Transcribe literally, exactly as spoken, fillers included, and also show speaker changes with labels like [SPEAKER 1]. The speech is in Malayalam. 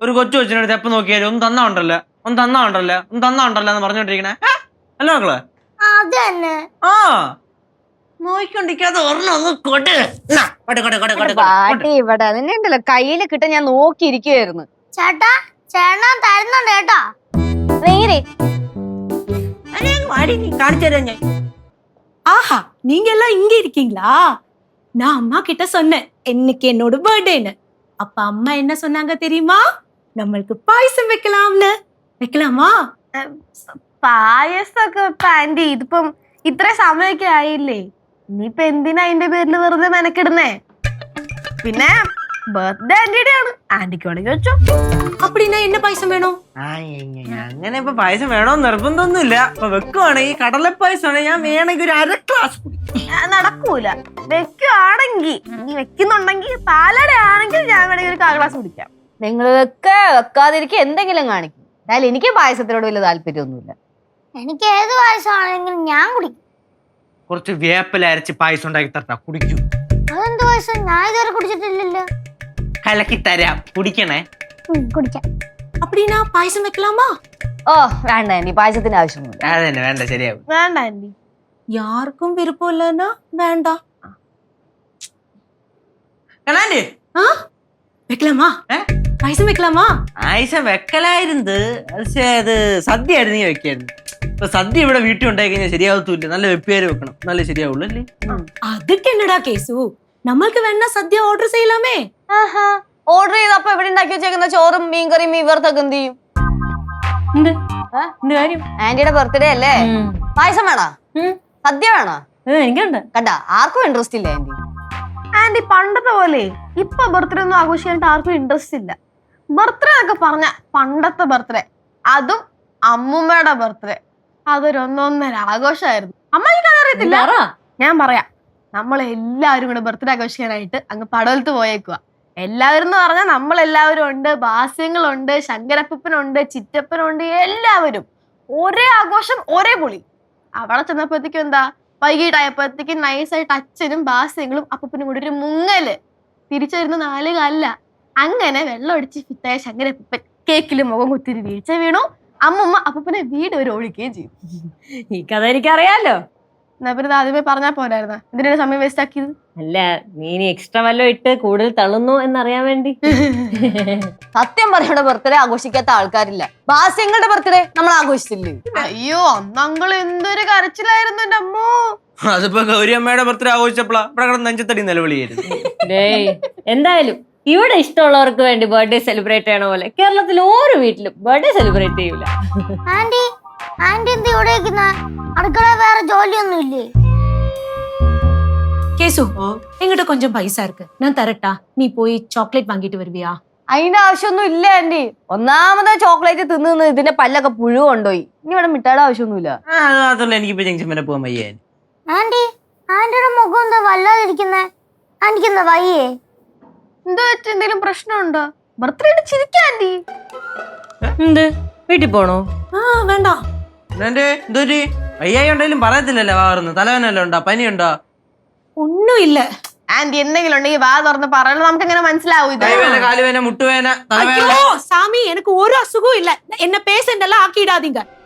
[SPEAKER 1] ഒരു കൊച്ചു കൊച്ചിനടുത്ത് എപ്പോ നോക്കിയാലും ഒന്ന് തന്നാ ഉണ്ടല്ലോ ഒന്ന് തന്നാ ഉണ്ടല്ലോ ഒന്ന് തന്നാ ഉണ്ടല്ലോ എന്ന് പറഞ്ഞോണ്ടിരിക്കണേ അല്ല മക്കളെ ആ നോയിക്കൊണ്ടിരിക്കാതെ ഒരെണ്ണം ഒന്ന് കൊട്
[SPEAKER 2] പാട്ടി ഇവിടെ അതിനെ ഉണ്ടല്ലോ കയ്യില് കിട്ടാൻ ഞാൻ നോക്കിയിരിക്കുവായിരുന്നു.
[SPEAKER 3] ചേട്ടാ ചേട്ടൻ തരുന്നുണ്ട് കേട്ടോ.
[SPEAKER 2] നേരെ
[SPEAKER 1] കാണിച്ചു തരാം ഞാൻ.
[SPEAKER 4] ஆஹா நீங்க எல்லாம் இங்க இருக்கீங்களா? நான் அம்மா கிட்ட சொன்னேன் இன்னைக்கு என்னோட பர்த்டேன்னு. அப்ப அம்மா என்ன சொன்னாங்க தெரியுமா? நம்மளுக்கு பாயசம் வைக்கலாம்னு. வைக்கலாமா?
[SPEAKER 5] പായസൊക്കെ ഇപ്പൊ ആന്റി ഇതിപ്പം ഇത്ര സമയമൊക്കെ ആയില്ലേ, ഇനിയിപ്പൊ എന്തിനാ അതിന്റെ പേരിൽ വെറുതെ മെനക്കിടുന്നേ? പിന്നെ ബർത്ത്ഡേ ആന്റിയുടെ ആണ്, ആന്റിക്ക് വേണമെങ്കിൽ വെച്ചോ.
[SPEAKER 4] அப்படின்னா என்ன பாயசம் வேணும்?
[SPEAKER 1] അങ്ങനെ ഇപ്പൊ പായസം വേണോന്ന് നിർബന്ധമൊന്നുമില്ല. ഇപ്പൊ വെക്കുവാണെങ്കിൽ കടല പായസമാണെങ്കിൽ ഞാൻ വേണമെങ്കിൽ ഒരു അര ഗ്ലാസ്
[SPEAKER 5] നടക്കൂല. വെക്കുവാണെങ്കിൽ നീ വെക്കുന്നുണ്ടെങ്കിൽ പാലട ആണെങ്കിൽ ഞാൻ വേണമെങ്കിൽ ഒരു കാ ഗ്ലാസ് കുടിക്കാം.
[SPEAKER 2] നിങ്ങളൊക്കെ വെക്കാതിരിക്കും എന്തെങ്കിലും കാണിക്കും. എന്നാലും എനിക്ക് പായസത്തിനോട് വലിയ താല്പര്യമൊന്നുമില്ല.
[SPEAKER 3] എനിക്ക് ഏത് പായസമാണെങ്കിലും ഞാൻ കുടിക്കും.
[SPEAKER 1] കുറച്ച് വേപ്പില അരച്ച് പായസം ഉണ്ടാക്കി തരട്ടാ, കുടിക്കൂ.
[SPEAKER 3] അതെന്ത് പായസം? ഞാൻ ഇതുവരെ കുടിച്ചിട്ടില്ലല്ലോ.
[SPEAKER 1] കലക്കി തരാം, കുടിക്കണേ.
[SPEAKER 3] കുടിക്കാം.
[SPEAKER 4] அப்படின்னா பாயசம் வைக்கலாமா?
[SPEAKER 2] ഓ വേണ്ട ആന്റി, പായസത്തിന്റെ ആവശ്യമൊന്നുമില്ല.
[SPEAKER 1] അതന്നെ വേണ്ട, ശരിയാവും.
[SPEAKER 5] വേണ്ട ആന്റി.
[SPEAKER 4] யாருக்கும் விருப்பம் இல்லைன்னா வேண்டாம்.
[SPEAKER 1] കണാൻഡി
[SPEAKER 4] ஆ வைக்கலாமா? பாயசம் வைக்கலாமா?
[SPEAKER 1] പായസം വെക്കലായിരുന്നു, പക്ഷേ അത് സദ്യ ആയിരുന്നു നീ വെക്കായിരുന്നു. ഇപ്പൊ സദ്യ ഇവിടെ വീട്ടിൽ ഉണ്ടായി കഴിഞ്ഞാൽ ശരിയാവത്തൂല്ല. നല്ല വെപ്പേര് വെക്കണം, നല്ല ശരിയാവുള്ളൂ അല്ലേ?
[SPEAKER 4] அதுக்கு என்னடா கேசு, நம்மளுக்கு வேணா சத்யா ஆர்டர் செய்யலாமே.
[SPEAKER 2] ആഹാ ഓർഡർ ചെയ്തപ്പോ എവിടെ ഉണ്ടാക്കി വെച്ചേക്കുന്ന ചോറും മീൻകറിയും മീൻ വറുത്തൊക്കെ എന്ത് ചെയ്യും? ആന്റിയുടെ ബർത്ത്ഡേ അല്ലേ, പായസം വേണോ? സദ്യ വേണോ?
[SPEAKER 4] എനിക്കുണ്ട്.
[SPEAKER 2] കണ്ടാ ആർക്കും ഇൻട്രസ്റ്റ് ഇല്ല ആന്റി.
[SPEAKER 5] ആന്റി പണ്ടത്തെ പോലെ ഇപ്പൊ ബർത്ത്ഡേ ഒന്നും ആഘോഷിക്കാനായിട്ട് ആർക്കും ഇൻട്രസ്റ്റ് ഇല്ല. ബർത്ത്ഡേ എന്നൊക്കെ പറഞ്ഞ പണ്ടത്തെ ബർത്ത്ഡേ, അതും അമ്മൂമ്മയുടെ ബർത്ത്ഡേ, അതൊരു ഒന്നൊന്നര ആഘോഷമായിരുന്നു. അമ്മയ്ക്ക് അതറിയത്തില്ല. ഞാൻ പറയാം, നമ്മളെല്ലാവരും കൂടെ ബർത്ത്ഡേ ആഘോഷിക്കാനായിട്ട് അങ്ങ് പടവലത്ത് പോയേക്കുക. എല്ലാവരും എന്ന് പറഞ്ഞാൽ നമ്മളെല്ലാവരും ഉണ്ട്, ബാസ്യങ്ങളുണ്ട്, ശങ്കരപ്പനുണ്ട്, ചിറ്റപ്പനുണ്ട്, എല്ലാവരും ഒരേ ആഘോഷം ഒരേ പൊളി. അവിടെ ചെന്നപ്പോഴത്തേക്കും എന്താ, വൈകിട്ടായപ്പോഴത്തേക്കും നൈസായിട്ട് അച്ഛനും ബാസ്യങ്ങളും അപ്പനും കൂടി ഒരു മുങ്ങല്, തിരിച്ചു വരുന്ന നാല് കാലില. അങ്ങനെ വെള്ളം അടിച്ച് ഫിറ്റായ ശങ്കരപ്പൻ കേക്കില് മുഖം കുത്തിരി വീഴ്ച വീണു. അമ്മമ്മ അപ്പനെ വീട് ഒരു ഒഴിക്കുകയും ചെയ്യും.
[SPEAKER 4] ഈ കഥ എനിക്കറിയാലോ.
[SPEAKER 5] എന്നാ പിന്നെ ആദ്യമേ പറഞ്ഞാൽ പോരായിരുന്ന, എന്തിനാണ് സമയം വേസ്റ്റ് ആക്കിയത്?
[SPEAKER 4] അല്ല, നീ ഇനി എക്സ്ട്രാ വല്ലതും ഇട്ട് കൂടുതൽ തള്ളുന്നു എന്നറിയാൻ വേണ്ടി.
[SPEAKER 2] സത്യം പറയുടെ ബർത്ത്ഡേ ആഘോഷിക്കാത്ത ആൾക്കാരില്ല. ബാസ്യങ്ങളുടെ ബർത്ത്ഡേ നമ്മൾ ആഘോഷിച്ചില്ലേ?
[SPEAKER 5] അയ്യോ അന്ന് അങ്കിൾ എന്തൊരു കരച്ചിലായിരുന്നു എന്റെ അമ്മോ.
[SPEAKER 1] അതിപ്പോ ഗൗരിയമ്മയുടെ ബർത്ത്ഡേ ആഘോഷിച്ചപ്പോഴാ ഇവിടെ കിടന്ന് നെഞ്ചത്തടി നിലവിളിയായിരുന്നു.
[SPEAKER 4] എന്തായാലും ഇവിടെ ഇഷ്ടമുള്ളവർക്ക് വേണ്ടി ബർത്ത്ഡേ സെലിബ്രേറ്റ് ചെയ്യണ പോലെ കേരളത്തിൽ ഓരോ വീട്ടിലും ബർത്ത്ഡേ സെലിബ്രേറ്റ് ചെയ്യൂല.
[SPEAKER 3] ആന്റി ആന്റി എന്ത് ഇവിടെ വെക്കുന്ന? അടുക്കള വേറെ ജോലിയൊന്നും ഇല്ലേ?
[SPEAKER 4] கேசு, என்கிட்ட கொஞ்சம் பைசா இருக்கு, நான் தரட்டா? நீ போய் சாக்லேட் வாங்கிட்டு வருவியா?
[SPEAKER 2] അതിന്റെ ആവശ്യമൊന്നും ഇല്ല ആന്റി. ഒന്നാമത് ചോക്ലേറ്റ് തിന്ന് നിന്ന് ഇതിന്റെ പല്ലൊക്കെ പുഴു കൊണ്ടുപോയി. ഇനി ഇവിടെ മിഠായിയുടെ ആവശ്യമൊന്നുമില്ല.
[SPEAKER 1] അത് മാത്രല്ല, എനിക്കിപ്പോ ജംഗ്ഷൻ വരെ പോകാൻ വയ്യ.
[SPEAKER 3] ആന്റി ആന്റിയുടെ മുഖം എന്താ വല്ലാതിരിക്കുന്നേ? ആന്റിക്ക് എന്താ വയ്യേ?
[SPEAKER 5] എന്താ വെച്ച എന്തെങ്കിലും പ്രശ്നമുണ്ടോ? Birthday ചിരിക്കാ anti.
[SPEAKER 4] എന്ത് വീട്ടിൽ പോണോ? ആ വേണ്ട.
[SPEAKER 1] എന്റെ എന്തൊരു വയ്യായി ഉണ്ടെങ്കിലും പറയത്തില്ലല്ലോ. വാറുന്നു തലവേനല്ലോ ഉണ്ടോ, പനിയുണ്ടോ?
[SPEAKER 4] ഒന്നും ഇല്ല
[SPEAKER 5] ആന്റി. എന്തെങ്കിലും ഉണ്ടെങ്കിൽ വാ തുറന്ന് പറയണം, നമുക്ക് എങ്ങനെ മനസ്സിലാവും? ഇത്
[SPEAKER 1] കൈവേന, കാലുവേന, മുട്ടുവേന, തലവേന.
[SPEAKER 4] சாமி, எனக்கு ஒரு அசுகம் இல்ல. என்ன பேசண்டெல்லாம் ஆக்கிடாதீங்க.